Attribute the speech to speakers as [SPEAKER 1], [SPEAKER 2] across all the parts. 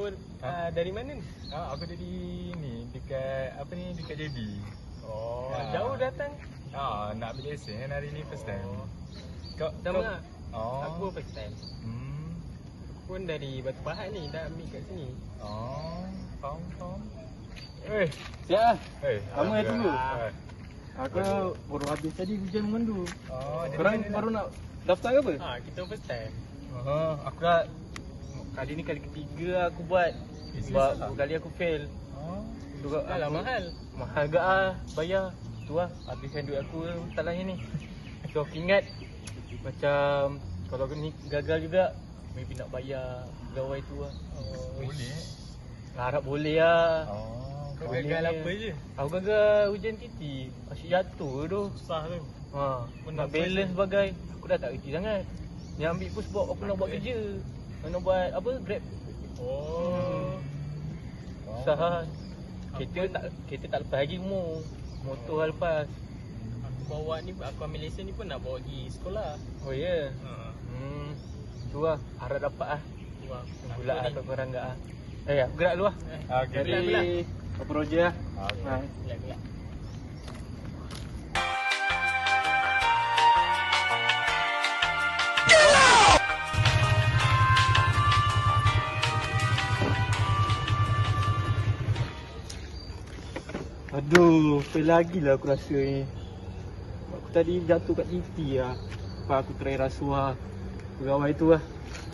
[SPEAKER 1] dari mana ni?
[SPEAKER 2] Aku dari ni dekat apa ni, dekat JB.
[SPEAKER 1] Jauh datang?
[SPEAKER 2] Nak ambil lesen hari ni first time. Kau
[SPEAKER 1] Sama lah.
[SPEAKER 2] Oh.
[SPEAKER 1] Aku first time. Aku pun dari Batu Pahat ni, dah ambil kat sini.
[SPEAKER 2] Faham.
[SPEAKER 3] Siap lah. Lama
[SPEAKER 2] Alhamdulillah.
[SPEAKER 3] tunggu. Aku baru habis tadi hujan memandu. Korang baru nak daftar ke apa?
[SPEAKER 1] Kita first time.
[SPEAKER 3] Aku dah kali ni kali ketiga aku buat. Sebab dua kali aku fail.
[SPEAKER 1] Dah lah mahal.
[SPEAKER 3] Mahal gak bayar. Tu lah habiskan duit aku tak lain ni. So aku ingat macam kalau ni gagal juga, maybe nak bayar pegawai tu lah.
[SPEAKER 2] Boleh.
[SPEAKER 3] Harap boleh lah.
[SPEAKER 2] Kau gagal apa je?
[SPEAKER 3] Aku gagal hujan titi. Asyik jatuh tu.
[SPEAKER 1] Susah tu.
[SPEAKER 3] Nak balance sebagai. Aku dah tak kerti sangat. Yang ambil pun sebab aku nak buat kerja. Nak buat apa? Grab. Susah lah. Kereta tak lepas lagi umur. Motor lah lepas.
[SPEAKER 1] Aku bawa ni, aku ambil lesen ni pun nak bawa pergi sekolah.
[SPEAKER 3] Oh ya? Tu lah. Harap dapat lah. Pula lah kat korang tak lah. Aku gerak dulu lah. Dari apa Roger lah.
[SPEAKER 1] Gelap.
[SPEAKER 3] Aduh, fail lagi lah aku rasa ni. Aku tadi jatuh kat TV lah. Lepas aku try rasuah pegawai tu lah.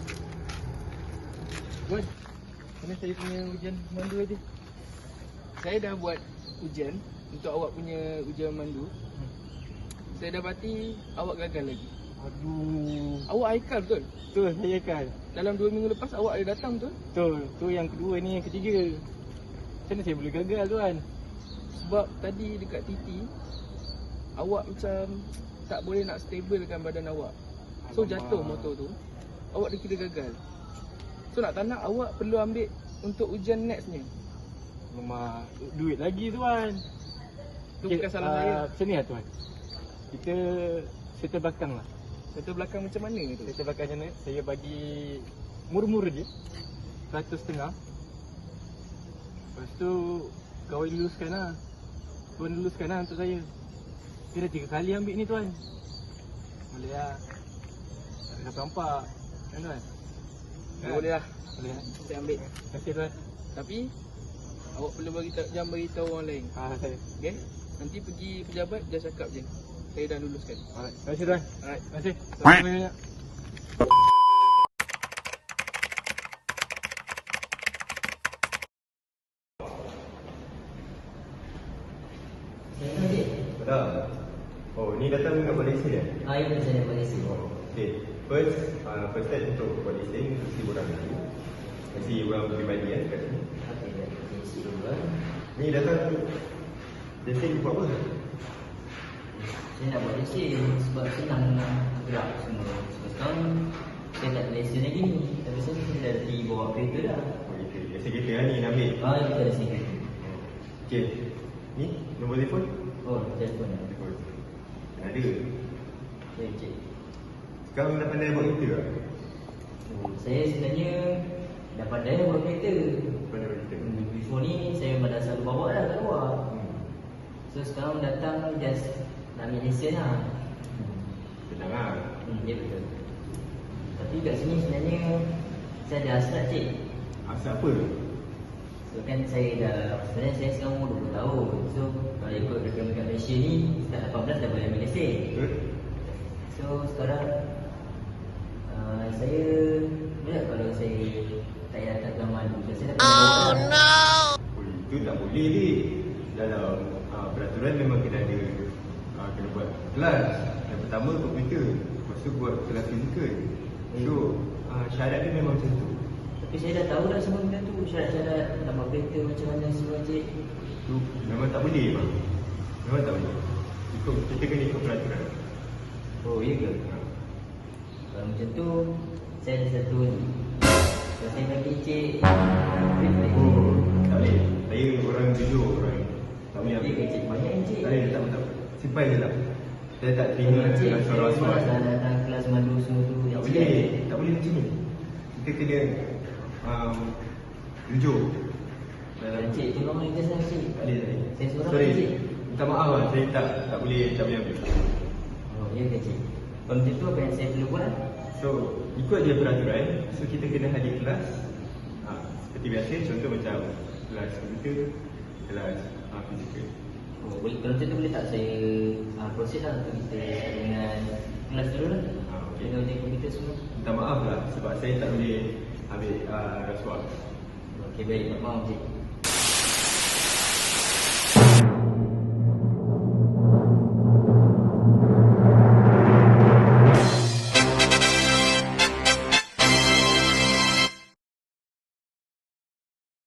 [SPEAKER 3] Wan, mana saya punya ujian mandu tadi?
[SPEAKER 4] Saya dah buat ujian untuk awak punya ujian mandu. Saya dapati awak gagal lagi.
[SPEAKER 3] Aduh.
[SPEAKER 4] Awak Haikal betul?
[SPEAKER 3] Betul, saya kan.
[SPEAKER 4] Dalam 2 minggu lepas awak ada datang betul?
[SPEAKER 3] Betul, tu yang kedua ni, yang ketiga. Macam mana saya boleh gagal tuan?
[SPEAKER 4] Sebab tadi dekat TT awak macam tak boleh nak stabilkan badan awak. So jatuh motor tu. Awak dikira gagal. So nak tak nak awak perlu ambil untuk ujian nextnya.
[SPEAKER 3] Memang duit lagi tuan.
[SPEAKER 4] Tu bukan salah saya.
[SPEAKER 3] Macam ni lah tuan. Kita settle belakang lah.
[SPEAKER 4] Settle belakang macam mana tu?
[SPEAKER 3] Settle belakang macam mana? Saya bagi murah-murah je 100.5. Lepas tu kawan luluskan lah. Tuan luluskan lah untuk saya. Dia dah 3 kali ambil ni tuan. Boleh lah. Tak ada nampak. Kan tuan?
[SPEAKER 4] Boleh lah.
[SPEAKER 3] Boleh lah.
[SPEAKER 4] Saya ambil.
[SPEAKER 3] Terima kasih tuan.
[SPEAKER 4] Tapi awak perlu jangan beritahu orang lain.
[SPEAKER 3] Saya.
[SPEAKER 4] Okay? Nanti pergi pejabat dia cakap je. Saya dah luluskan.
[SPEAKER 3] Alright. Terima kasih tuan.
[SPEAKER 4] Alright.
[SPEAKER 3] Terima kasih. Terima kasih banyak.
[SPEAKER 5] Dah. Oh, ni datang dengan Malaysia ya?
[SPEAKER 6] Ya, saya Malaysia.
[SPEAKER 5] Okay. First step untuk Malaysia ni mesti orang dulu. Mesti orang peribadi kan kat sini.
[SPEAKER 6] Okey, dari sini dulu.
[SPEAKER 5] Ni datang Malaysia buat apa?
[SPEAKER 6] Saya nak buat lesen sebab senang nak gerak semua. Sebab sekarang saya tak ada lesen lagi ni. Tapi saya dah bawa kereta dah.
[SPEAKER 5] Oh, gitu. Biasa kereta lah ni nak ambil.
[SPEAKER 6] Kita ada sini.
[SPEAKER 5] Okay. Ni nombor telefon?
[SPEAKER 6] Oh, telefon dah.
[SPEAKER 5] Telefon. Ada.
[SPEAKER 6] Saya cek.
[SPEAKER 5] Sekarang dah pandai buat kereta tak?
[SPEAKER 6] Saya sebenarnya dah pandai buat kereta.
[SPEAKER 5] Pandai buat kereta?
[SPEAKER 6] Before ni saya dah selalu bawa dah kat luar. So sekarang datang just nak ambil lesen lah.
[SPEAKER 5] Senang lah.
[SPEAKER 6] Ya betul. Tapi kat sini sebenarnya saya ada hasrat cik.
[SPEAKER 5] Asal apa?
[SPEAKER 6] So kan sebenarnya saya sekarang umur 20 tahun. So kalau ikut rekan-rekan Malaysia ni sejak 18 dah boleh ambil lesen.
[SPEAKER 5] Betul?
[SPEAKER 6] So sekarang saya boleh kalau saya tak payah datang ke Madu. Saya dapat
[SPEAKER 5] Oh, itu tak boleh ni. Dalam peraturan memang kena ada kena buat kelas. Yang pertama komputer, lepas tu buat kelas fizikal. So syarat dia memang macam tu.
[SPEAKER 6] Tapi saya dah tahu dah semua benda tu. Syarat-syarat nak buat kereta macam mana semua cik.
[SPEAKER 5] Tu memang tak boleh bang. Memang tak boleh. Kita kena ikut peraturan.
[SPEAKER 6] Oh iya ke? Kalau macam tu saya ada satu ni. Kalau saya bagi cik
[SPEAKER 5] Oh, tak boleh. Saya orang jujur orang. Tak boleh
[SPEAKER 6] Okey
[SPEAKER 5] ambil.
[SPEAKER 6] cik, banyak ni cik.
[SPEAKER 5] Tak boleh, tak boleh. Simpan je lah. Saya tak terima
[SPEAKER 6] Cik,
[SPEAKER 5] rasuah-rasuah.
[SPEAKER 6] saya dah datang kelas mandu semua tu.
[SPEAKER 5] Tak boleh. Tak boleh macam ni. Kita kena jujur.
[SPEAKER 6] Cik, tolong ringkas saya cik.
[SPEAKER 5] Boleh tak?
[SPEAKER 6] Saya seorang
[SPEAKER 5] Sorry,
[SPEAKER 6] cik.
[SPEAKER 5] minta maaf lah, saya tak boleh ambil.
[SPEAKER 6] Oh, ya ke cik? Kalau macam tu apa yang saya perlu buat?
[SPEAKER 5] So, ikut je peraturan. So, kita kena hadir kelas seperti biasa, contoh macam kelas komputer, kelas fizikal.
[SPEAKER 6] Oh, boleh, kalau macam tu boleh tak saya proses lah untuk kita dengan kelas dulu lah.
[SPEAKER 5] Okey.
[SPEAKER 6] Dengan ujian komputer semua.
[SPEAKER 5] Minta maaf lah sebab saya tak boleh ambil rasuah.
[SPEAKER 6] Okey, baik. Maaf cik.